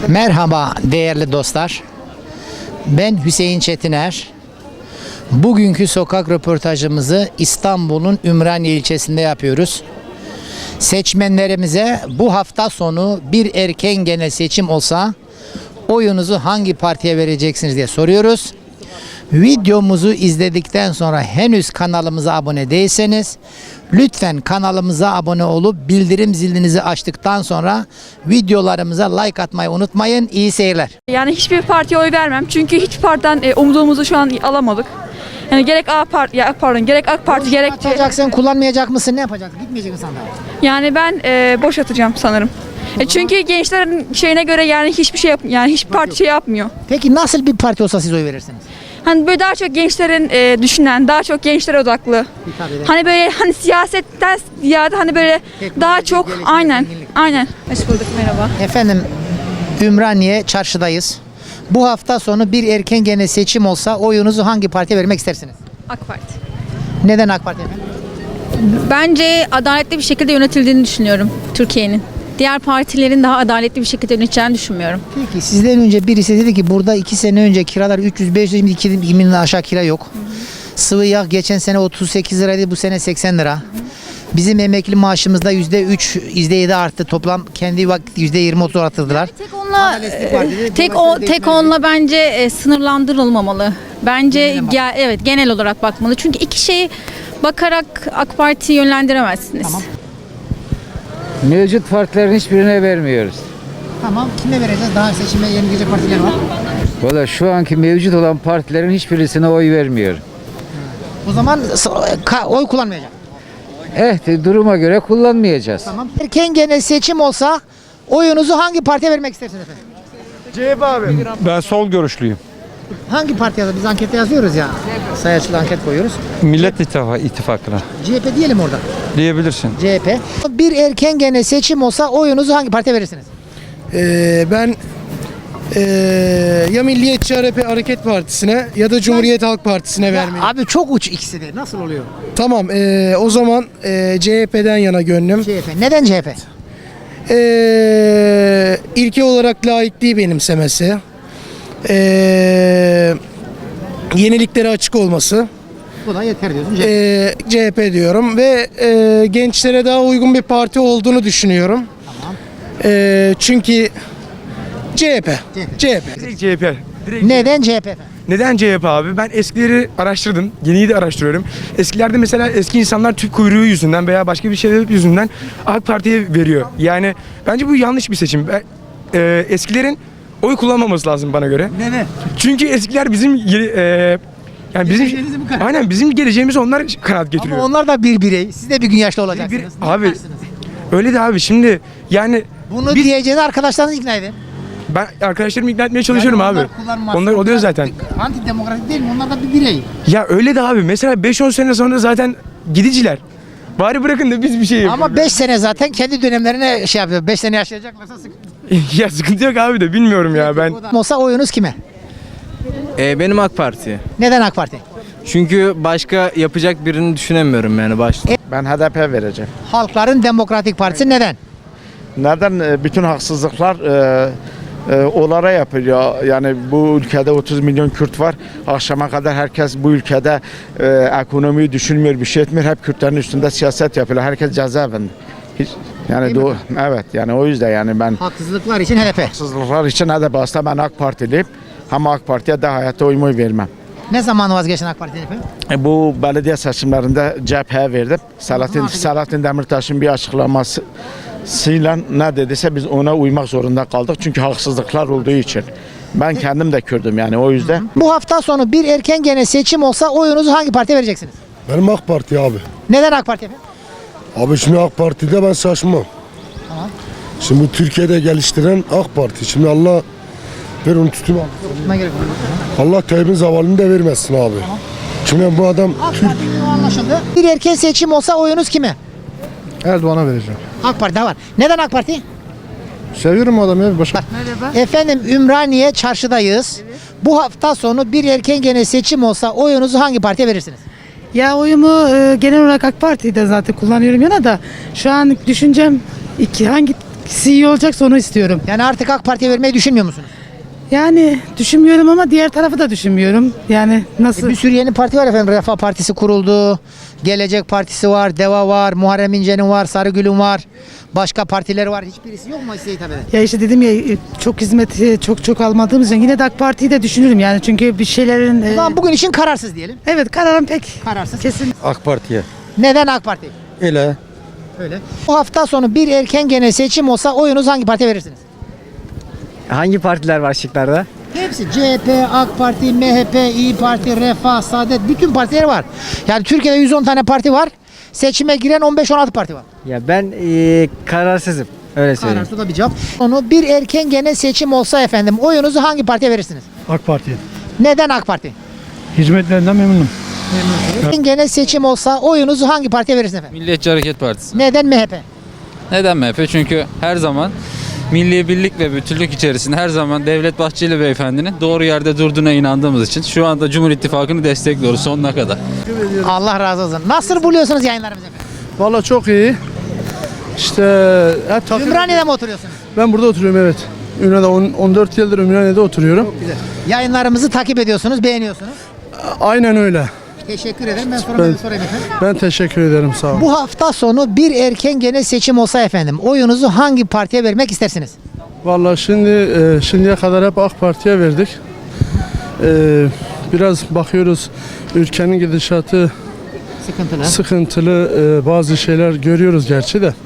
Merhaba değerli dostlar. Ben Hüseyin Çetiner. Bugünkü sokak röportajımızı İstanbul'un Ümraniye ilçesinde yapıyoruz. Seçmenlerimize bu hafta sonu bir erken genel seçim olsa oyunuzu hangi partiye vereceksiniz diye soruyoruz. Videomuzu izledikten sonra henüz kanalımıza abone değilseniz lütfen kanalımıza abone olup bildirim zilinizi açtıktan sonra videolarımıza like atmayı unutmayın. İyi seyirler. Yani hiçbir partiye oy vermem. Çünkü hiçbir partiden umduğumuzu şu an alamadık. Yani gerek AK Parti, gerek AK Parti, gerek Atacaksın, kullanmayacak mısın? Ne yapacaksın? Gitmeyecek misin sandığa? yani ben boş atacağım sanırım. Çünkü gençlerin şeyine göre yani hiçbir şey hiçbir parti şey yapmıyor. Peki nasıl bir parti olsa siz oy verirsiniz? Hani böyle daha çok gençlerin düşünen, daha çok gençlere odaklı. Hani böyle hani siyasetten ziyade hani böyle daha çok aynen. Hoş bulduk, merhaba. Efendim, Ümraniye çarşıdayız. Bu hafta sonu bir erken genel seçim olsa oyunuzu hangi partiye vermek istersiniz? AK Parti. Neden AK Parti efendim? Bence adaletli bir şekilde yönetildiğini düşünüyorum Türkiye'nin. Diğer partilerin daha adaletli bir şekilde yöneteceğini düşünmüyorum. Peki sizden önce birisi dedi ki burada 2 sene önce kiralar 300-500, şimdi 2000'den aşağı kira yok. Sıvı yağ geçen sene 38 liraydı, bu sene 80 lira. Bizim emekli maaşımızda %3, %7 arttı. Toplam kendi vakit %20-30 arttırdılar. Tek onunla bence sınırlandırılmamalı. Bence evet, genel olarak bakmalı. Çünkü iki şeyi bakarak AK Parti'yi yönlendiremezsiniz. Tamam. Mevcut partilerin hiçbirine vermiyoruz. Tamam, kime vereceğiz? Daha seçime yeni gelecek partiler var. Valla şu anki mevcut olan partilerin hiçbirisine oy vermiyor. O zaman oy kullanmayacak. Duruma göre kullanmayacağız. Tamam. Erken genel seçim olsa oyunuzu hangi partiye vermek istersiniz efendim? CHP abi. Ben sol görüşlüyüm. Hangi partiye? Biz ankette yazıyoruz ya. Sayaçlı anket koyuyoruz. Millet İttifakı'na CHP diyelim orada. diyebilirsin. CHP. Bir erken genel seçim olsa oyunuzu hangi partiye verirsiniz? Ben ya Milliyetçi Hareket Partisi'ne ya da Cumhuriyet Halk Partisi'ne vermeliyim. Abi çok uç ikisi de. Nasıl oluyor? Tamam, o zaman CHP'den yana gönlüm. CHP. Neden CHP? İlke olarak laikliği benimsemesi, yeniliklere açık olması, Bu da yeter diyorsun. CHP. CHP diyorum ve gençlere daha uygun bir parti olduğunu düşünüyorum. Tamam. Çünkü CHP. Direkt CHP. Neden CHP efendim? Neden CHP abi? Ben eskileri araştırdım. Yeniyi de araştırıyorum. Eskilerde mesela eski insanlar tüp kuyruğu yüzünden veya başka bir sebep yüzünden AK Parti'ye veriyor. Yani bence bu yanlış bir seçim. Eskilerin oy kullanmaması lazım bana göre. Neden? Çünkü eskiler bizim yani bizim geleceğimizi onlar kanaat getiriyor. Ama onlar da bir birey. Siz de bir gün yaşlı olacaksınız. Ne Abi yaparsınız? öyle de abi şimdi yani Bunu diyeceğini arkadaşlarınızı ikna edin. ben arkadaşlarımı ikna etmeye çalışıyorum Yani abi. kullanmazsa Onlar oluyor zaten. Antidemokratik değil mi? Onlar da bir birey. Ya öyle de abi mesela 5-10 sene sonra zaten gidiciler. Bari bırakın da biz bir şey yapalım. Ama 5 sene zaten kendi dönemlerine şey yapıyor. 5 sene yaşayacaklarsa sıkıntı. Ya sıkıntı yok abi de bilmiyorum ya ben. Olsa oyunuz kime? Benim AK Parti. Neden AK Parti? Çünkü başka yapacak birini düşünemiyorum yani başta. Ben HDP vereceğim. Halkların Demokratik Partisi neden? Neden? Bütün haksızlıklar onlara yapılıyor. Yani bu ülkede 30 milyon Kürt var. Akşama kadar herkes bu ülkede ekonomiyi düşünmüyor, bir şey etmiyor. Hep Kürtlerin üstünde siyaset yapıyor. Herkes cezaevinde. Yani evet, yani o yüzden yani ben Haksızlıklar için HDP. haksızlıklar için HDP aslında ben AK Partiliyim. Ama AK Parti'ye de hayatta oyumu vermem. Ne zaman vazgeçin AK Parti'den efendim? Bu belediye seçimlerinde CHP'ye verdim. Selahattin Demirtaş'ın bir açıklamasıyla ne dediyse biz ona uymak zorunda kaldık. Çünkü haksızlıklar olduğu için. Ben kendim de Kürdüm yani o yüzden. Bu hafta sonu bir erken genel seçim olsa oyunuzu hangi partiye vereceksiniz? Benim AK Parti abi. Neden AK Parti efendim? Abi şimdi AK Parti'de ben şaşmam. Tamam. Şimdi bu Türkiye'de geliştiren AK Parti. Şimdi Allah ver onu tutayım abi. Tutma gerek yok. Allah Tayyip'in zavalını da vermesin abi. Şimdi bu adam AK Parti'nin o anlaşıldı. Bir erken seçim olsa oyunuz kime? Erdoğan'a vereceğim. AK Parti'de var. Neden AK Parti? Seviyorum adamı ya başka. Efendim, Ümraniye çarşıdayız. Bu hafta sonu bir erken genel seçim olsa oyunuzu hangi partiye verirsiniz? Ya oyumu genel olarak AK Parti'de zaten kullanıyorum yana da şu an düşüncem hangi iyi olacaksa onu istiyorum. Yani artık AK Parti'ye vermeyi düşünmüyor musunuz? Yani düşünmüyorum ama diğer tarafı da düşünmüyorum. Yani nasıl? Bir sürü yeni parti var efendim. Refah Partisi kuruldu. Gelecek Partisi var, DEVA var, Muharrem İnce'nin var, Sarıgül'ün var. Başka partiler var. Hiçbirisi yok mu size hitap eden? Ya işte dedim ya çok hizmet çok almadığımız için yine de AK Parti'yi de düşünürüm yani çünkü bir şeylerin O zaman bugün için kararsız diyelim. evet kararım pek Kararsız. kesin. AK Parti'ye. Neden AK Parti? Öyle. Öyle. Bu hafta sonu bir erken genel seçim olsa oyunuzu hangi partiye verirsiniz? Hangi partiler var şıklarda? Hepsi CHP, AK Parti, MHP, İyi Parti, Refah, Saadet bütün partiler var. Yani Türkiye'de 110 tane parti var. Seçime giren 15-16 parti var. Ya ben kararsızım. Öyle söyleyeyim. Kararsız da bir cevap. Onu bir erken genel seçim olsa efendim oyunuzu hangi partiye verirsiniz? AK Parti. Neden AK Parti? Hizmetlerinden memnunum. Erken genel seçim olsa oyunuzu hangi partiye verirsiniz efendim? Milliyetçi Hareket Partisi. Neden MHP? Neden MHP? Çünkü her zaman milli birlik ve bütünlük içerisinde her zaman Devlet Bahçeli beyefendinin doğru yerde durduğuna inandığımız için şu anda Cumhur İttifakı'nı destekliyoruz sonuna kadar. Allah razı olsun. Nasıl buluyorsunuz yayınlarımızı efendim? Valla çok iyi. İşte Ümraniye'de mi oturuyorsunuz? ben burada oturuyorum evet. Ümraniye'de 14 yıldır Ümraniye'de oturuyorum. Yayınlarımızı takip ediyorsunuz, beğeniyorsunuz. Aynen öyle. Teşekkür ederim. Ben sorayım efendim. Ben teşekkür ederim sağ olun. Bu hafta sonu bir erken genel seçim olsa efendim oyunuzu hangi partiye vermek istersiniz? Vallahi şimdiye kadar hep AK Parti'ye verdik. Biraz bakıyoruz ülkenin gidişatı Sıkıntılı. sıkıntılı, bazı şeyler görüyoruz gerçi de.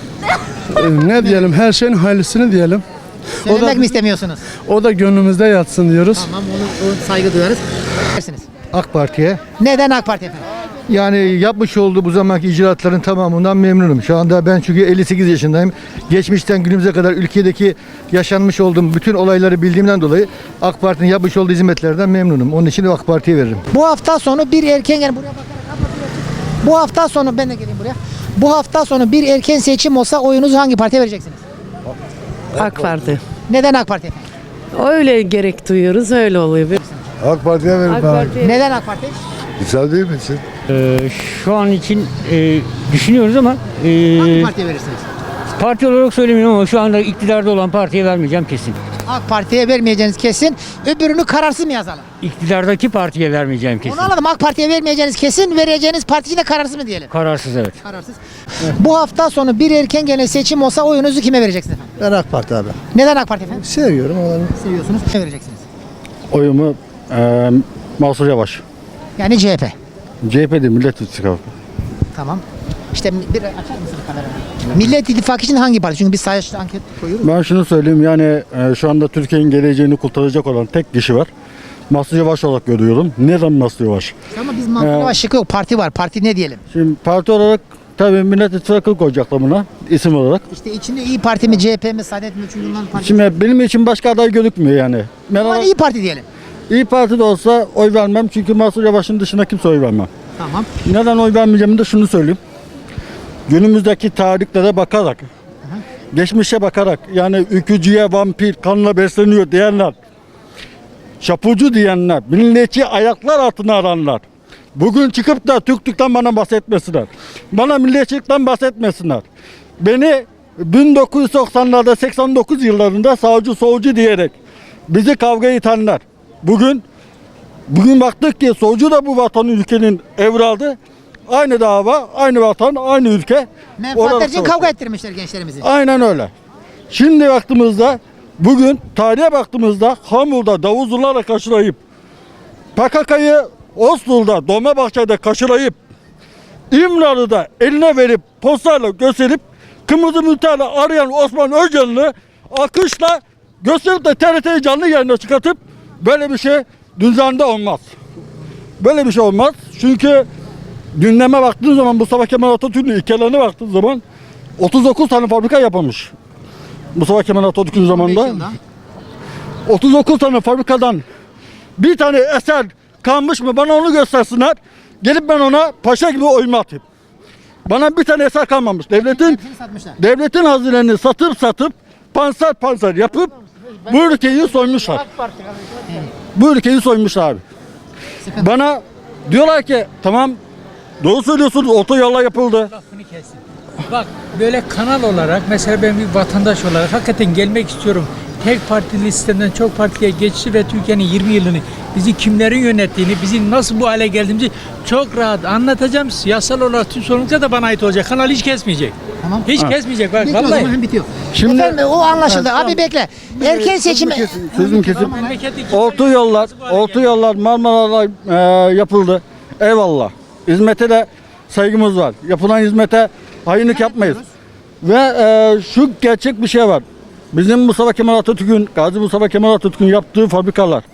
Ne diyelim, her şeyin hayırlısını diyelim. Söylemek mi istemiyorsunuz? O da gönlümüzde yatsın diyoruz. Tamam, onu saygı duyarız. Dersiniz. AK Parti'ye. Neden AK Parti efendim? Yani yapmış olduğu bu zamanki icraatların tamamından memnunum. Şu anda ben çünkü 58 yaşındayım. Geçmişten günümüze kadar ülkedeki yaşanmış olduğum bütün olayları bildiğimden dolayı AK Parti'nin yapmış olduğu hizmetlerden memnunum. Onun için de AK Parti'ye veririm. Bu hafta sonu bir erken genel buraya bakarak kapatıyoruz. Bu hafta sonu ben de geleyim buraya. Bu hafta sonu bir erken seçim olsa oyunuzu hangi partiye vereceksiniz? AK Parti. Neden AK Parti efendim? Öyle gerek duyuyoruz öyle oluyor. AK Parti'ye veririm. Neden AK Parti? Güzel değil mi için? Şu an için düşünüyoruz ama Hangi partiye verirsiniz? parti olarak söylemiyorum ama şu anda iktidarda olan partiye vermeyeceğim kesin. AK Parti'ye vermeyeceğiniz kesin. Öbürünü kararsız mı yazalım? İktidardaki partiye vermeyeceğim kesin. Onu anladım. AK Parti'ye vermeyeceğiniz kesin. Vereceğiniz partici de kararsız mı diyelim? Kararsız evet. Kararsız. Bu hafta sonu bir erken genel seçim olsa oyunuzu kime vereceksiniz efendim? Ben AK Parti abi. Neden AK Parti efendim? Seviyorum onları. Seviyorsunuz. Kime vereceksiniz? Oyumu Mansur Yavaş. Yani CHP. CHP'de Millet İttifakı. Tamam. İşte bir açar mısınız kamerayı? Millet İttifakı için hangi parti? Çünkü biz sayaçlı anket koyuyoruz. Ben şunu söyleyeyim yani şu anda Türkiye'nin geleceğini kurtaracak olan tek kişi var. Mansur Yavaş olarak görüyorum. Neden Mansur Yavaş? Ama biz Mansur Yavaş şıkkı yok. Parti var. Parti ne diyelim? Şimdi parti olarak tabii Millet İttifakı koyacaklar buna isim olarak. İşte içinde İyi Parti mi, CHP mi, Saadet mi? Çünkü bunların partisi. Şimdi benim için başka aday gözükmüyor yani. Ama İyi Parti diyelim. İyi Parti de olsa oy vermem çünkü Mansur Yavaş'ın dışında kimse oy vermem. Tamam. Neden oy vermeyeceğimi de şunu söyleyeyim. Günümüzdeki tarihlere bakarak, geçmişe bakarak yani ülkücüye vampir kanla besleniyor diyenler, şapucu diyenler, milliyetçi ayaklar altına aranlar. Bugün çıkıp da Türklükten bana bahsetmesinler. Bana milliyetçilikten bahsetmesinler. Beni 1990'larda 89 yıllarında sağcı solcu diyerek bizi kavgaya itenler. Bugün baktık ki solcu da bu vatanın ülkenin evladı. Aynı dava, aynı vatan, aynı ülke. Menfaatler için kavga ettirmişler gençlerimizi. Aynen öyle. Şimdi baktığımızda, bugün tarihe baktığımızda Hamur'da davuzlularla kaşılayıp, PKK'yı Oslo'da, Dolmabahçe'de kaşılayıp, İmralı'da eline verip, postayla gösterip, kırmızı mülterle arayan Osman Öcalan'ı akışla gösterip de TRT'yi canlı yayına çıkartıp, böyle bir şey düzende olmaz. Böyle bir şey olmaz. Çünkü gündeme baktığın zaman Mustafa Kemal Atatürk'ün ilkelerine baktığın zaman 39 tane fabrika yapılmış. Mustafa Kemal Atatürk'ün zamanında. 39 tane fabrikadan bir tane eser kalmış mı bana onu göstersinler. Gelip ben ona paşa gibi oyma atayım. Bana bir tane eser kalmamış. Devletin hazinelerini satıp panser yapıp bu ülkeyi soymuşlar. Bu ülkeyi soymuşlar abi. Bana diyorlar ki tamam doğru söylüyorsunuz otoyollar yapıldı. Bak böyle kanal olarak mesela ben bir vatandaş olarak hakikaten gelmek istiyorum. Tek partili sistemden çok partiye geçti ve Türkiye'nin 20 yılını bizi kimlerin yönettiğini, bizi nasıl bu hale geldiğimizi çok rahat anlatacağım. Siyasal olarak tüm sorumluluklar da bana ait olacak. Kanal hiç kesmeyecek. Tamam. Hiç kesmeyecek. Bak Peki, o vallahi. zaman bitiyor. Şimdi- Efendim o anlaşıldı. Abi bekle. Erken seçim... Sözüm kesin. Memleketteki- Orta yollar Marmara'da yapıldı. Eyvallah. Hizmete de saygımız var. Yapılan hizmete hainlik yapmayız. Ve şu gerçek bir şey var. Bizim Mustafa Kemal Atatürk'ün, Gazi Mustafa Kemal Atatürk'ün yaptığı fabrikalar.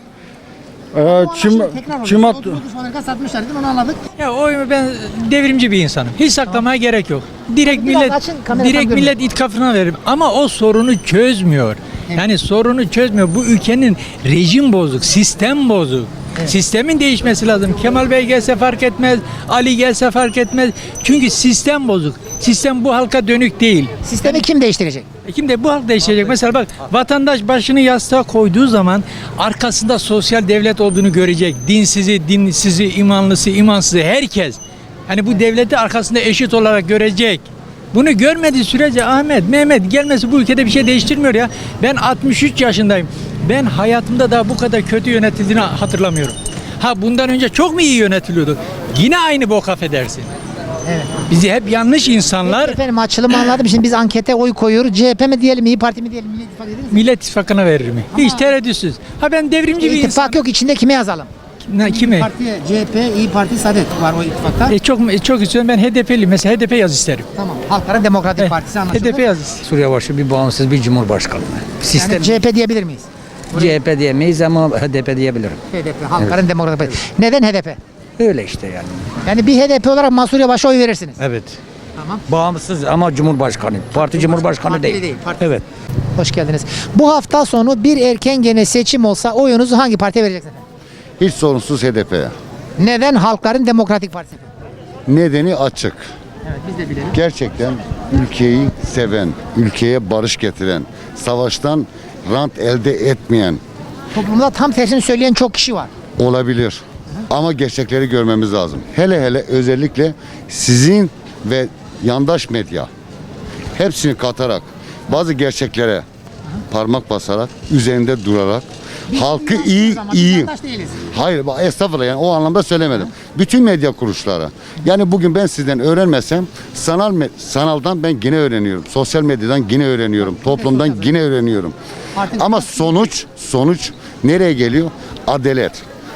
Çimat satmışlar değil mi? Onu anladık. Ya ben devrimci bir insanım. Hiç saklamaya gerek yok. Direkt Biraz millet açın, kamera tam millet itkafına veririm. Ama o sorunu çözmüyor. Yani sorunu çözmüyor. Bu ülkenin rejim bozuk, sistem bozuk. Sistemin değişmesi lazım. Kemal Bey gelse fark etmez, Ali gelse fark etmez. Çünkü sistem bozuk. Sistem bu halka dönük değil. Sistemi kim değiştirecek? Kim de bu halk değişecek. Mesela bak vatandaş başını yastığa koyduğu zaman arkasında sosyal devlet olduğunu görecek. Dinsizi, dinsizi, imanlısı, imansızı herkes. Hani bu devleti arkasında eşit olarak görecek. Bunu görmediği sürece Ahmet, Mehmet gelmesi bu ülkede bir şey değiştirmiyor ya. Ben 63 yaşındayım. Ben hayatımda daha bu kadar kötü yönetildiğini hatırlamıyorum. Ha bundan önce çok mu iyi yönetiliyordu? Yine aynı bok affedersin. Evet. Bizi hep yanlış insanlar Peki efendim açılımı anladım. Şimdi biz ankete oy koyuyoruz. CHP mi diyelim, İYİ Parti mi diyelim, Millet İttifakı dediniz mi? Millet İttifakı'na veririm. Hiç tereddütsüz. Ha ben devrimci bir İttifak insan. yok, içinde kime yazalım? Kimi? Partiye CHP, İYİ Parti, Saadet var o ittifakta. Çok istiyorum. Ben HDP'liyim. Mesela HDP yaz isterim. Tamam. Halkların Demokratik Partisi anlaşıldı. HDP yaz. Suriye başı bir bağımsız bir cumhurbaşkanı. Sistem Yani CHP diyebilir miyiz? CHP diyemeyiz ama HDP diyebilirim. HDP, Halkların Demokratik Partisi. Neden HDP? Öyle işte yani. Yani bir HDP olarak Mansur Yavaş'a oy verirsiniz. Evet. Tamam. Bağımsız ama cumhurbaşkanı. Parti cumhurbaşkanı Partili değil. parti. Evet. Hoş geldiniz. Bu hafta sonu bir erken gene seçim olsa oyunuzu hangi partiye vereceksiniz efendim? Hiç sorunsuz HDP'ye. Neden Halkların Demokratik Partisi efendim? Nedeni açık. Evet biz de bilelim. Gerçekten ülkeyi seven, ülkeye barış getiren, savaştan rant elde etmeyen Toplumda tam tersini söyleyen çok kişi var. olabilir. Ama gerçekleri görmemiz lazım. Hele hele özellikle sizin ve yandaş medya hepsini katarak bazı gerçeklere parmak basarak, üzerinde durarak halkı iyi. Yandaş değiliz. Hayır estağfurullah yani o anlamda söylemedim. Bütün medya kuruluşları. Yani bugün ben sizden öğrenmesem sanaldan ben yine öğreniyorum. Sosyal medyadan yine öğreniyorum. Toplumdan yine öğreniyorum. Ama sonuç nereye geliyor? Adalet.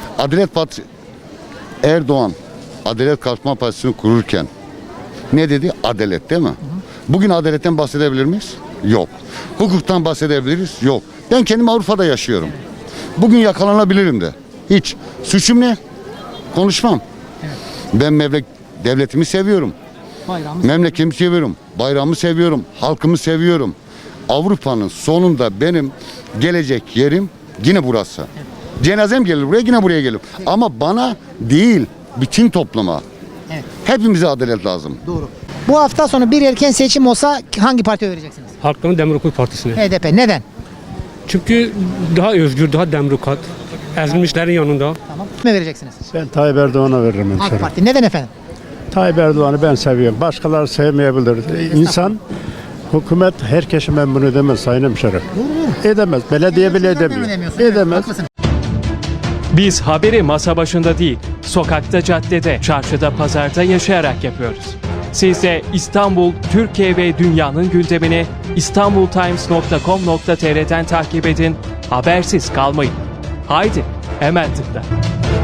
Erdoğan Adalet Kalkınma Partisi'ni kururken ne dedi? Adalet değil mi? Bugün adaletten bahsedebilir miyiz? Yok. Hukuktan bahsedebiliriz? Yok. Ben kendim Avrupa'da yaşıyorum. Bugün yakalanabilirim de. Hiç. Suçum ne? Konuşmam. Ben devletimi seviyorum. Memleketimi seviyorum. Bayrağımı seviyorum. Halkımı seviyorum. Avrupa'nın sonunda benim gelecek yerim yine burası. Cenazem gelir buraya, yine buraya gelir. Ama bana değil, bütün topluma. Evet. Hepimize adalet lazım. Doğru. Bu hafta sonu bir erken seçim olsa hangi partiye vereceksiniz? Halkların Demokratik Partisi'ne. HDP. Neden? Çünkü daha özgür, daha demokrat. Ezilmişlerin yanında. Tamam. Kime vereceksiniz? Ben Tayyip Erdoğan'a veririm AK Parti. Neden efendim? Tayyip Erdoğan'ı ben seviyorum. Başkaları sevmeyebilir. İnsan, hükümet herkesi memnun edemez Sayın Hemşerim. Edemez. Belediye bile edemiyor. Edemez. Biz haberi masa başında değil, sokakta, caddede, çarşıda, pazarda yaşayarak yapıyoruz. Siz de İstanbul, Türkiye ve dünyanın gündemini istanbultimes.com.tr'den takip edin, habersiz kalmayın. Haydi, hemen tıkla.